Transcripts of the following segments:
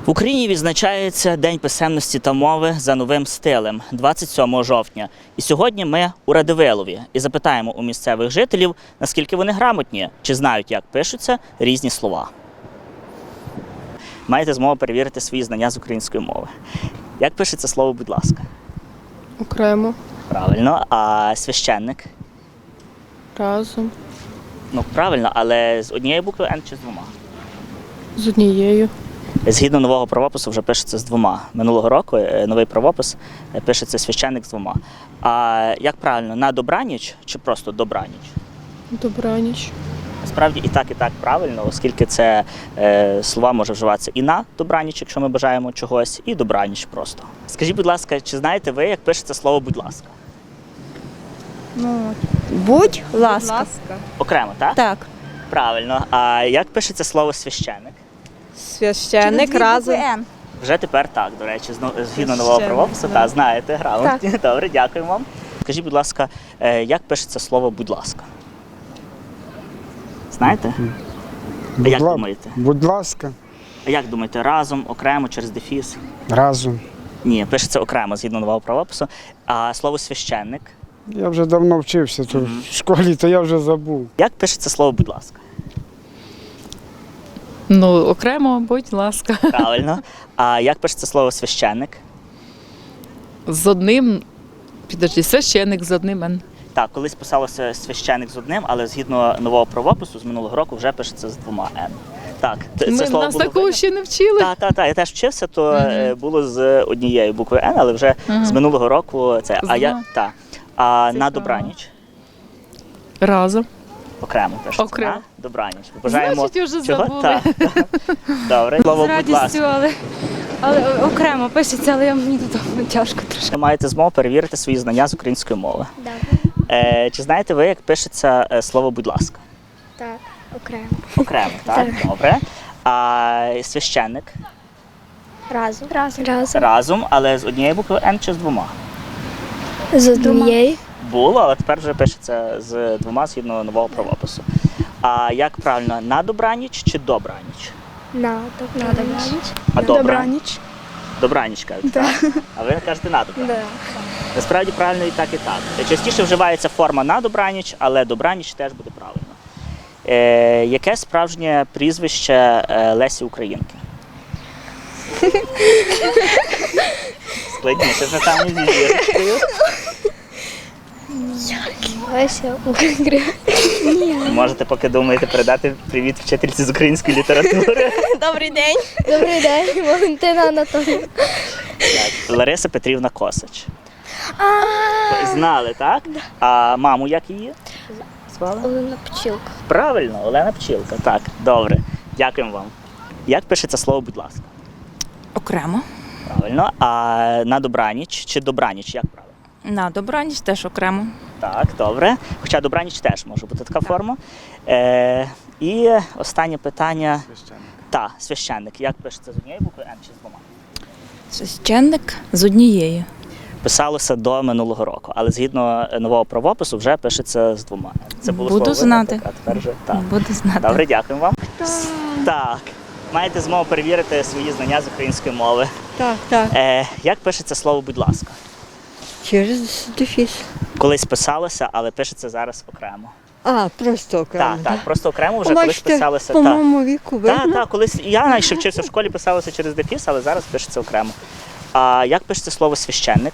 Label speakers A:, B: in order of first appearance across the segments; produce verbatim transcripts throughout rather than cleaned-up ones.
A: В Україні відзначається День писемності та мови за новим стилем – двадцять сьомого жовтня. І сьогодні ми у Радивилові і запитаємо у місцевих жителів, наскільки вони грамотні, чи знають, як пишуться різні слова. Маєте змогу перевірити свої знання з української мови. Як пишеться слово «будь ласка»?
B: Окремо.
A: Правильно. А священник?
B: Разом.
A: Ну, правильно, але з однієї букви «Н» чи з двома?
B: З однією.
A: Згідно нового правопису вже пишеться з двома. Минулого року новий правопис пишеться священник з двома. А як правильно, на добраніч чи просто добраніч?
B: Добраніч.
A: Справді і так, і так правильно, оскільки це е, слова може вживатися і на добраніч, якщо ми бажаємо чогось, і добраніч просто. Скажіть, будь ласка, чи знаєте ви, як пишеться слово «будь ласка»?
C: Ну, будь ласка.
A: Окремо, так?
C: Так.
A: Правильно. А як пишеться слово «священник»?
B: Священник разом.
A: Вже тепер так, до речі, згідно нового правопису, та знаєте, грамотні. Добре, дякую вам. Скажіть, будь ласка, як пишеться слово «будь ласка»? Знаєте? А як думаєте?
D: Будь ласка.
A: А як думаєте, разом, окремо, через дефіс?
D: Разом.
A: Ні, пишеться окремо, згідно нового правопису. А слово «священник»?
D: Я вже давно вчився то
A: Мгм.
D: в школі, то я вже забув.
A: Як пишеться слово «будь ласка»?
E: Ну, окремо, будь ласка.
A: Правильно. А як пишеться слово «священник»?
E: З одним, підожди, священник з одним Н.
A: Так, колись писалося «священник» з одним, але згідно нового правопису з минулого року вже пишеться з двома «н». Так, це
E: Ми
A: слово
E: нас
A: було
E: такого
A: видно.
E: ще не вчили.
A: Так, так, так, я теж вчився, то е, було з однією буквою «н», але вже
E: Мгм.
A: з минулого року це.
E: З
A: А я
E: двома?
A: так. А
E: Це
A: на
E: правильно.
A: добраніч
E: Разом.
A: окремо пишеться.
E: Окремо.
A: На добраніч. Бажаємо
E: Значить, вже
A: чого?
E: забули.
A: Так. Добре. Слово
F: З
A: «будь
F: радістю,
A: ласка».
F: але, але окремо пишеться, але я мені тут тяжко трошки.
A: Ви маєте змогу перевірити свої знання з української мови.
G: Добре.
A: Е, чи знаєте ви, як пишеться е, слово «будь ласка»?
G: Так, окремо.
A: Окремо, так? Добре. А священник?
G: Разом. Разом. Разом.
A: Разом, але з однією буквою «н» чи з двома?
G: З однієї.
A: Було, але тепер вже пишеться з двома згідно нового правопису. А як правильно, на добраніч чи добраніч?
G: На добраніч.
A: А добраніч? Добраніч кажуть, так? А ви кажете на добраніч?
G: Да.
A: Насправді правильно і так, і так. Частіше вживається форма на добраніч, але добраніч теж буде правильно. Е, яке справжнє прізвище е, Лесі Українки? Складніше вже там не зізіркою.
G: Леся Українка.
A: Можете, поки думаєте, передати привіт вчительці з української літератури.
G: Добрий день. Добрий день, Валентина Анатоліївна.
A: Так, Лариса Петрівна Косач. Знали, так? А маму як її? Звали?
G: Олена Пчілка.
A: Правильно, Олена Пчілка. Так, добре. Дякуємо вам. Як пишеться слово «будь ласка»?
C: Окремо.
A: Правильно. А на добраніч чи добраніч, як правильно?
C: На добраніч теж окремо.
A: Так, добре. Хоча добраніч теж може бути така форма. Е, і останнє питання.
D: Священник.
A: Так, священник. Як пишеться з однієї букви «н» чи з двома?
C: Священник з однією.
A: Писалося до минулого року, але згідно нового правопису вже пишеться з двома. Це було
C: Буду
A: слово
C: знати.
A: «видно», а тепер вже так.
C: Буду знати.
A: Добре, дякую вам. Так, маєте змогу перевірити свої знання з української мови.
B: Так, так.
A: Е, як пишеться слово «будь ласка»?
B: Через дефіс.
A: Колись писалося, але пишеться зараз окремо.
B: А, просто окремо.
A: Так, так, просто окремо вже колись
B: Бачите,
A: писалося.
B: по
A: Так,
B: моєму віку видно.
A: так, так, колись я навіть ще вчився в школі, писалося через дефіс, але зараз пишеться окремо. А як пишеться слово «священник»?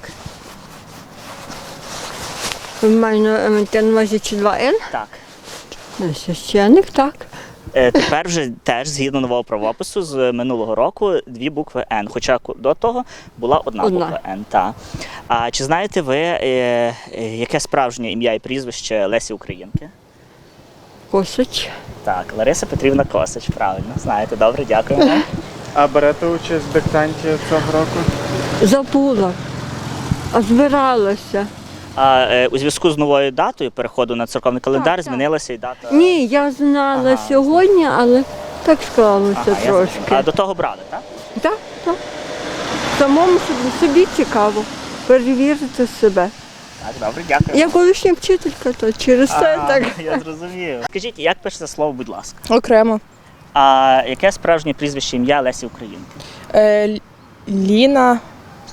B: Ви маєте на увазі чи два Н?
A: Так.
B: Священник, так.
A: Е, Тепер вже теж згідно нового правопису з минулого року дві букви «н», хоча до того була одна,
B: Одна.
A: буква «н». Та. А чи знаєте ви, е, е, яке справжнє ім'я і прізвище Лесі Українки?
B: Косач.
A: Так, Лариса Петрівна Косач, правильно. Знаєте, добре, дякую вам.
D: А берете участь в диктанті цього року?
B: Забула. А збиралася.
A: А е, у зв'язку з новою датою переходу на церковний календар
B: так.
A: змінилася і дата.
B: Ні, я знала
A: Ага.
B: сьогодні, але так склалося
A: Ага, я
B: трошки.
A: зрозумів. А до того брали, так?
B: Так, так. Самому собі, собі цікаво перевірити себе.
A: Так, добре, дякую.
B: Я колишня вчителька, то через це
A: Ага,
B: так.
A: я зрозумів. Скажіть, як пишеться слово «будь ласка»?
B: Окремо.
A: А яке справжнє прізвище ім'я Лесі Українки?
H: Е, Л- Ліна.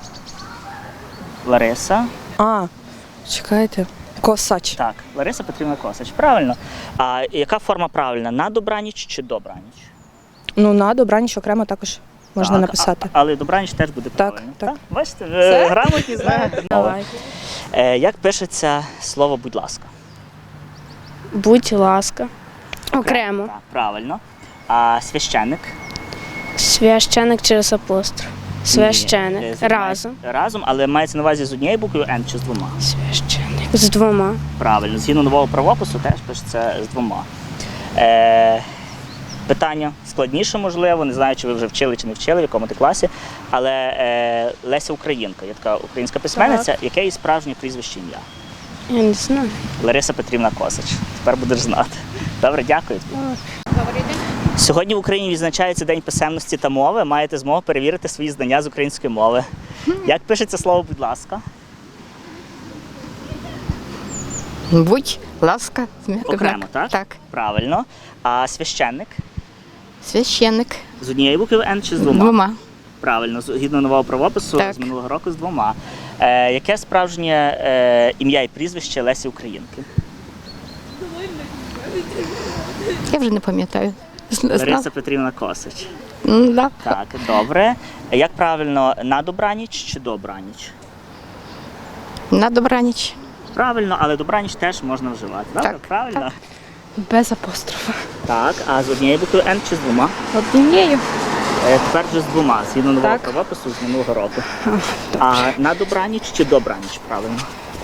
A: Лариса.
H: А, чекайте. Косач.
A: Так, Лариса Петрівна Косач. Правильно. А яка форма правильна? На добраніч чи добраніч?
H: Ну, на добраніч окремо також можна
A: Так,
H: написати.
A: А, але добраніч теж буде
H: Так,
A: правильно.
H: так.
A: Бачите, ви грамотні знаєте.
H: Давай.
A: Е, як пишеться слово будь ласка?
G: Будь ласка. Окремо.
A: Так, правильно. А священник?
G: Священик через апостроф.
A: Ні, е,
G: Священик.
A: з-
G: Разом.
A: Разом, але мається на увазі з однією буквою Н чи з двома?
G: Священик. З двома.
A: Правильно. Згідно нового правопису теж пишеться з двома. Е, питання складніше, можливо, не знаю, чи ви вже вчили чи не вчили, в якому ти класі. Але е, Леся Українка, є така українська письменниця, яке її справжнє прізвище ім'я?
G: Я не знаю.
A: Лариса Петрівна Косач. Тепер будеш знати. Добре, дякую. Сьогодні в Україні відзначається День писемності та мови. Маєте змогу перевірити свої знання з української мови. Як пишеться слово будь ласка?
E: Будь ласка,
A: Окремо, так?
E: Так.
A: Правильно. А священник?
E: Священник.
A: З однією буквою Н чи з двома?
E: Двома.
A: Правильно, згідно нового правопису
E: Так.
A: з минулого року з двома. Е, яке справжнє е, ім'я і прізвище Лесі Українки?
E: Я вже не пам'ятаю.
A: Лариса Петрівна Косач.
E: М, да.
A: Так, добре. Як правильно, на добраніч чи добраніч?
E: На добраніч.
A: Правильно, але добраніч теж можна вживати. Добре?
E: Так,
A: Правильно?
F: Без апострофа.
A: Так, а з однією буквою Н чи з двома?
F: Однією.
A: Е, тепер вже з двома, згідно нового
F: Так.
A: правопису з минулого року. А на добраніч чи добраніч, правильно?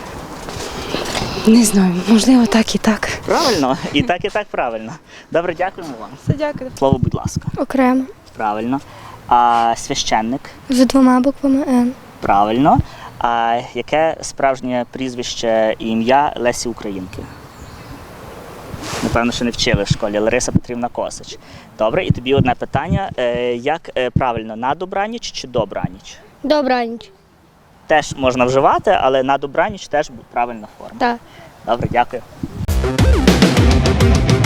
F: Не знаю, можливо, так і так.
A: Правильно? І так, і так правильно. Добре, дякуємо вам.
H: Все, дякую.
A: Слово, будь ласка.
G: Окремо.
A: Правильно. А священник?
G: З двома буквами Н.
A: Правильно. А яке справжнє прізвище і ім'я Лесі Українки? Напевно, що не вчили в школі. Лариса Петрівна Косач. Добре, і тобі одне питання. Е, Як е, правильно, на добраніч чи добраніч?
G: Добраніч.
A: Теж можна вживати, але на добраніч теж правильна форма.
G: Так.
A: Добре, дякую.